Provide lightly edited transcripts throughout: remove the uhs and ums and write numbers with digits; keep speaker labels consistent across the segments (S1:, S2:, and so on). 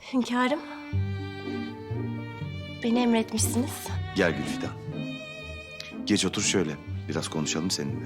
S1: Hünkârım. Beni emretmişsiniz.
S2: Gel Gülfidan. Geç otur şöyle. Biraz konuşalım seninle.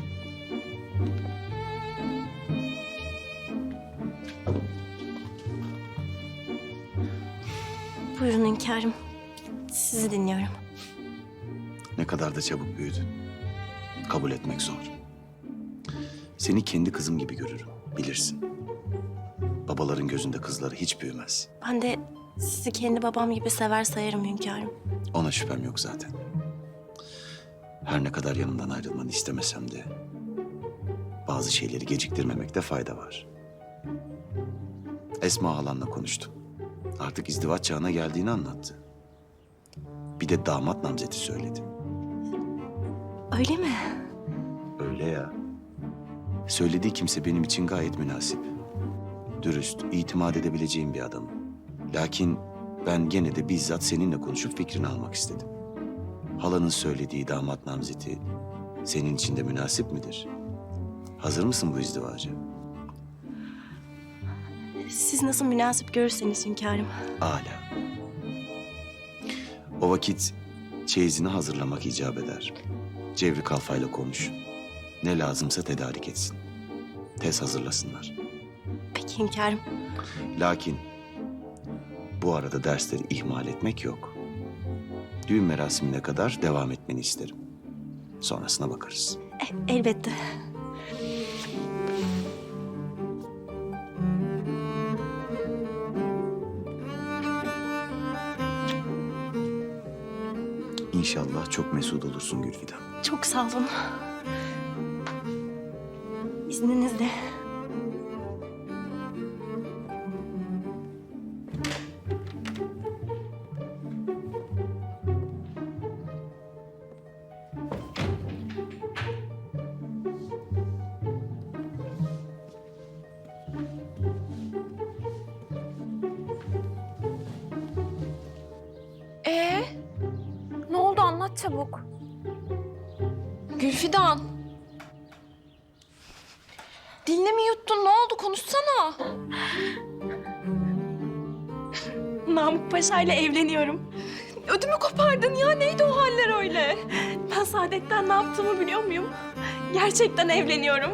S1: Buyurun hünkârım. Sizi dinliyorum.
S2: Ne kadar da çabuk büyüdün. Kabul etmek zor. Seni kendi kızım gibi görürüm, bilirsin. Babaların gözünde kızları hiç büyümez.
S1: Ben de sizi kendi babam gibi sever sayarım hünkârım.
S2: Ona şüphem yok zaten. Her ne kadar yanımdan ayrılmanı istemesem de... bazı şeyleri geciktirmemekte fayda var. Esma halanla konuştum. Artık izdivaç çağına geldiğini anlattı. Bir de damat namzeti söyledi.
S1: Öyle mi?
S2: Öyle ya. Söylediği kimse benim için gayet münasip. Dürüst, itimat edebileceğim bir adam. Lakin ben gene de bizzat seninle konuşup fikrini almak istedim. Halanın söylediği damat namzeti senin için de münasip midir? Hazır mısın bu izdivaca?
S1: Siz nasıl münasip görürseniz hünkârım.
S2: Âlâ. O vakit çeyizini hazırlamak icap eder. Cevri Kalfa'yla konuş. Ne lazımsa tedarik etsin. Tez hazırlasınlar.
S1: Peki hünkârım.
S2: Lakin bu arada dersleri ihmal etmek yok. Düğün merasimine kadar devam etmeni isterim. Sonrasına bakarız.
S1: Elbette.
S2: İnşallah çok mesut olursun Gülfidan.
S1: Çok sağ olun. İzninizle.
S3: Ne oldu anlat çabuk. Gülfidan. Dilini mi yuttun? Ne oldu? Konuşsana.
S1: Namık Paşa ile evleniyorum.
S3: Ödümü kopardın ya. Neydi o haller öyle?
S1: Ben Saadet'ten ne yaptığımı biliyor muyum? Gerçekten evleniyorum.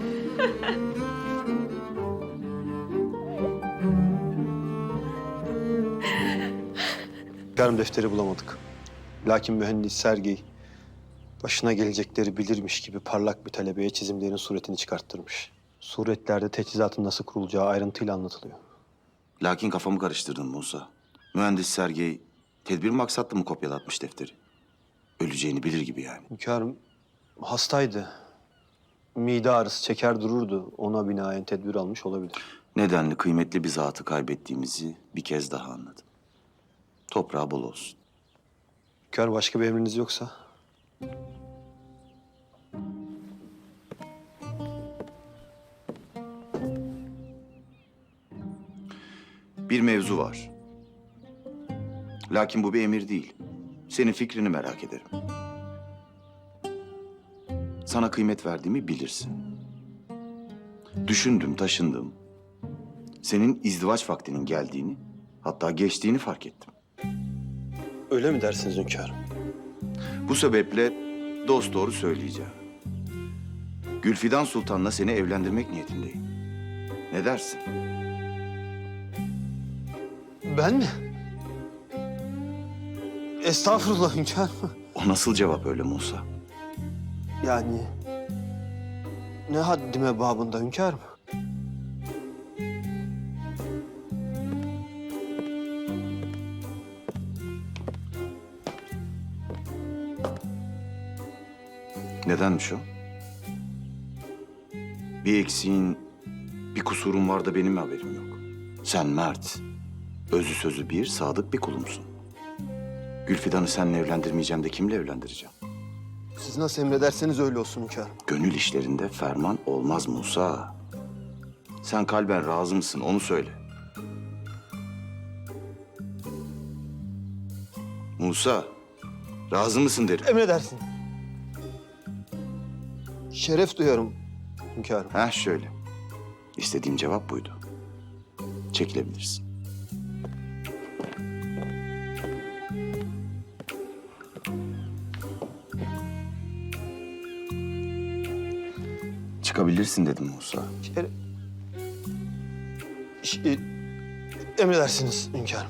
S4: Hünkârım defteri bulamadık. Lakin mühendis Sergey başına gelecekleri bilirmiş gibi parlak bir talebeye çizimlerin suretini çıkarttırmış. Suretlerde teçhizatın nasıl kurulacağı ayrıntıyla anlatılıyor.
S2: Lakin kafamı karıştırdın Musa. Mühendis Sergey tedbir maksatlı mı kopyalatmış defteri? Öleceğini bilir gibi yani.
S4: Hünkârım hastaydı. Mide ağrısı çeker dururdu. Ona binaen tedbir almış olabilir.
S2: Nedenli kıymetli bir zatı kaybettiğimizi bir kez daha anladım. Toprağı bol olsun.
S4: Hünkârım başka bir emriniz yoksa?
S2: Bir mevzu var. Lakin bu bir emir değil. Senin fikrini merak ederim. Sana kıymet verdiğimi bilirsin. Düşündüm, taşındım. Senin izdivaç vaktinin geldiğini, hatta geçtiğini fark ettim.
S4: Öyle mi dersiniz hünkârım?
S2: Bu sebeple dosdoğru söyleyeceğim. Gülfidan Sultan'la seni evlendirmek niyetindeyim. Ne dersin?
S4: Ben mi? Estağfurullah hünkârım.
S2: O nasıl cevap öyle Musa?
S4: Yani ne haddime babında hünkârım?
S2: Nedenmiş o? Bir eksiğin, bir kusurun var da benim mi haberim yok? Sen mert, özü sözü bir, sadık bir kulumsun. Gülfidan'ı seninle evlendirmeyeceğim de kimle evlendireceğim?
S4: Siz nasıl emrederseniz öyle olsun hünkârım.
S2: Gönül işlerinde ferman olmaz Musa. Sen kalben razı mısın onu söyle. Musa, razı mısın derim.
S4: Emredersin. Şeref duyarım hünkârım.
S2: Heh şöyle. İstediğim cevap buydu. Çekilebilirsin. Çıkabilirsin dedim Musa.
S4: Emredersiniz hünkârım.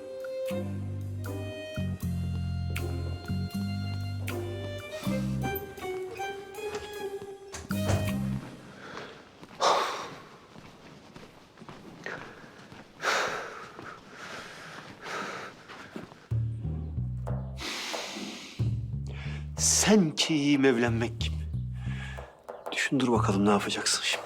S4: Sen ki evlenmek kim? Düşündür bakalım ne yapacaksın şimdi.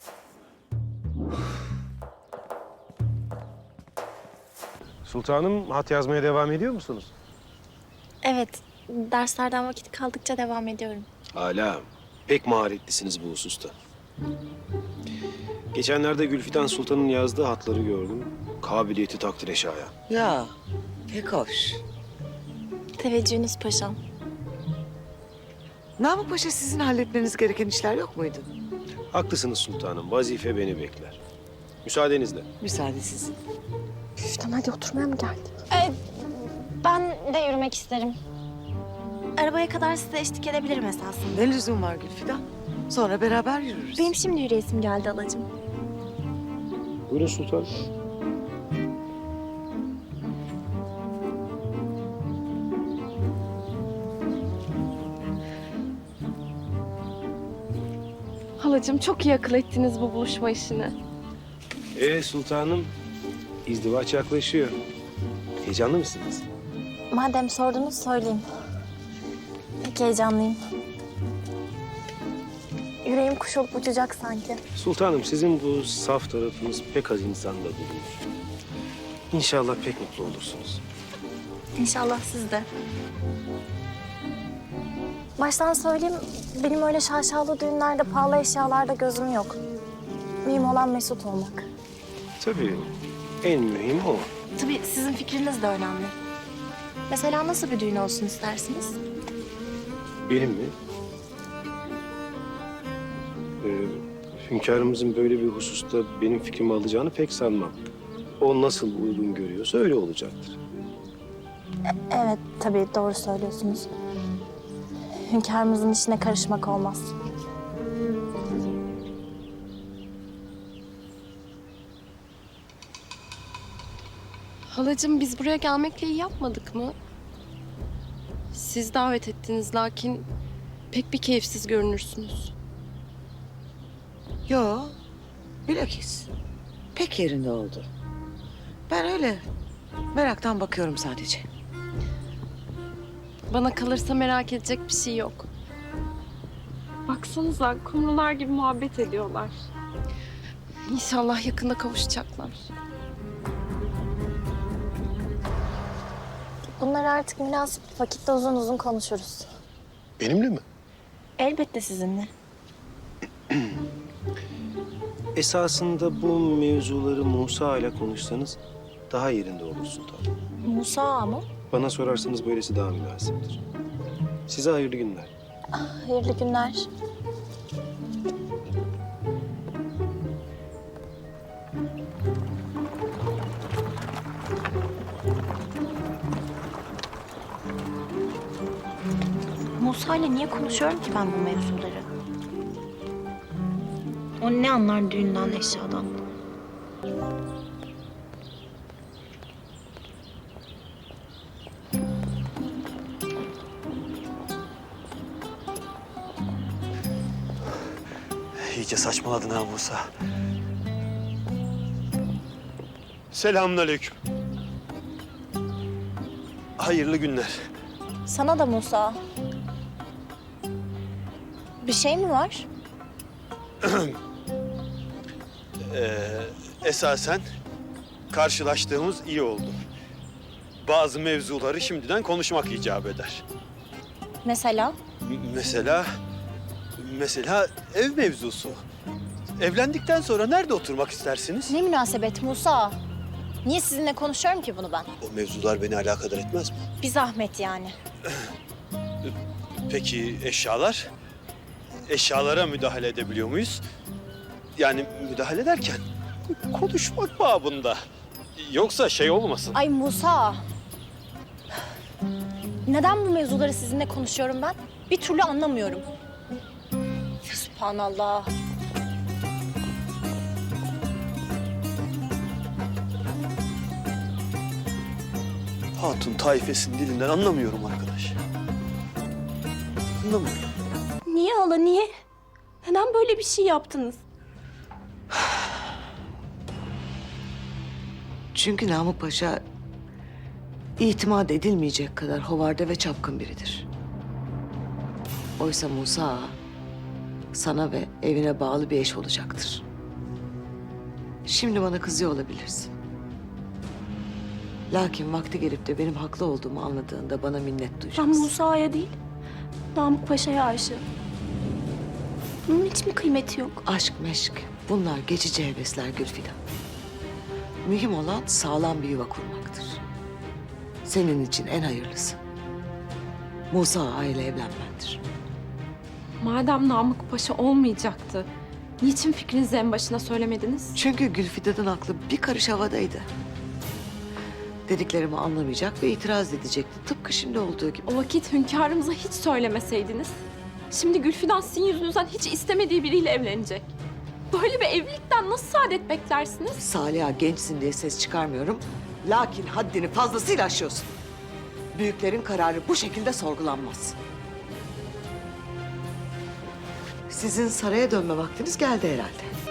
S5: Sultanım, hat yazmaya devam ediyor musunuz?
S1: Evet, derslerden vakit kaldıkça devam ediyorum.
S5: Hala pek maharetlisiniz bu hususta. Geçenlerde Gülfidan Sultan'ın yazdığı hatları gördüm. Kabiliyeti takdire şayan.
S6: Ya pek hoş.
S1: Teveccühünüz paşam.
S6: Namık Paşa sizin halletmeniz gereken işler yok muydu?
S5: Haklısınız sultanım, vazife beni bekler. Müsaadenizle.
S6: Müsaade sizin.
S1: Güftan hadi oturmaya mı geldin? Ben de yürümek isterim. Arabaya kadar size eşlik edebilirim esasında.
S6: Ne lüzum var Gülfidan? Sonra beraber yürürüz.
S1: Benim şimdi yürüyesim geldi alacığım.
S5: Buyurun sultanım.
S3: Halacığım çok iyi akıl ettiniz bu buluşma işini.
S5: Sultanım, izdivaç yaklaşıyor. Heyecanlı mısınız?
S1: Madem sordunuz söyleyeyim. Pek heyecanlıyım. Yüreğim kuş olup uçacak sanki.
S5: Sultanım, sizin bu saf tarafınız pek az insanda bulunur. İnşallah pek mutlu olursunuz.
S1: İnşallah siz de. Baştan söyleyeyim, benim öyle şaşalı düğünlerde, pahalı eşyalarda gözüm yok. Mühim olan mesut olmak.
S5: Tabii, en mühim o.
S1: Tabii sizin fikriniz de önemli. Mesela nasıl bir düğün olsun istersiniz?
S5: Benim mi? Hünkârımızın böyle bir hususta benim fikrimi alacağını pek sanmam. O nasıl uygun görüyorsa öyle olacaktır.
S1: Evet, tabii doğru söylüyorsunuz. Hünkârımızın işine karışmak olmaz.
S3: Halacığım biz buraya gelmekle iyi yapmadık mı? Siz davet ettiniz lakin pek bir keyifsiz görünürsünüz.
S6: Yo, bilakis. Pek yerinde oldu. Ben öyle meraktan bakıyorum sadece.
S3: Bana kalırsa merak edecek bir şey yok. Baksanıza kumrular gibi muhabbet ediyorlar. İnşallah yakında kavuşacaklar.
S1: Bunları artık münasip bir vakitte uzun uzun konuşuruz.
S5: Benimle mi?
S1: Elbette sizinle.
S5: Esasında bu mevzuları Musa ile konuşsanız daha yerinde olur sultanım.
S1: Musa mı?
S5: Bana sorarsanız böylesi daha münasiptir. Size hayırlı günler.
S1: Hayırlı günler. Musa ile niye konuşuyorum ki ben bu mevzuları? O ne anlar düğünden, eşyadan?
S4: İyice saçmaladın ha Musa. Selamünaleyküm. Hayırlı günler.
S1: Sana da Musa. Bir şey mi var?
S4: Esasen karşılaştığımız iyi oldu. Bazı mevzuları şimdiden konuşmak icap eder.
S1: Mesela?
S4: Mesela ev mevzusu. Evlendikten sonra nerede oturmak istersiniz?
S1: Ne münasebet Musa? Niye sizinle konuşuyorum ki bunu ben?
S4: O mevzular beni alakadar etmez mi?
S1: Bir zahmet yani.
S4: Peki eşyalar? Eşyalara müdahale edebiliyor muyuz? Yani müdahale ederken konuşmak babında. Yoksa şey olmasın.
S1: Ay Musa. Neden bu mevzuları sizinle konuşuyorum ben? Bir türlü anlamıyorum. Sübhanallah.
S4: Hatun taifesinin dilinden anlamıyorum arkadaş. Anlamıyorum.
S1: Niye hala, niye? Neden böyle bir şey yaptınız?
S6: Çünkü Namık Paşa itimat edilmeyecek kadar hovarda ve çapkın biridir. Oysa Musa Ağa sana ve evine bağlı bir eş olacaktır. Şimdi bana kızıyor olabilirsin. Lakin vakti gelip de benim haklı olduğumu anladığında bana minnet
S1: Ben
S6: duyacaksın.
S1: Musa'ya değil, Namık Paşa'ya aşığım. Bunun hiç mi kıymeti yok?
S6: Aşk meşk bunlar geçici hevesler Gülfidan. Mühim olan sağlam bir yuva kurmaktır. Senin için en hayırlısı Musa Ağa ile evlenmendir.
S7: Madem Namık Paşa olmayacaktı, niçin fikrinizi en başına söylemediniz?
S6: Çünkü Gülfidan'ın aklı bir karış havadaydı. Dediklerimi anlamayacak ve itiraz edecekti. Tıpkı şimdi olduğu gibi.
S7: O vakit hünkârımıza hiç söylemeseydiniz. Şimdi Gülfidan sizin yüzünüzden hiç istemediği biriyle evlenecek. Böyle bir evlilikten nasıl saadet beklersiniz?
S6: Saliha gençsin diye ses çıkarmıyorum. Lakin haddini fazlasıyla aşıyorsun. Büyüklerin kararı bu şekilde sorgulanmaz. Sizin saraya dönme vaktiniz geldi herhalde.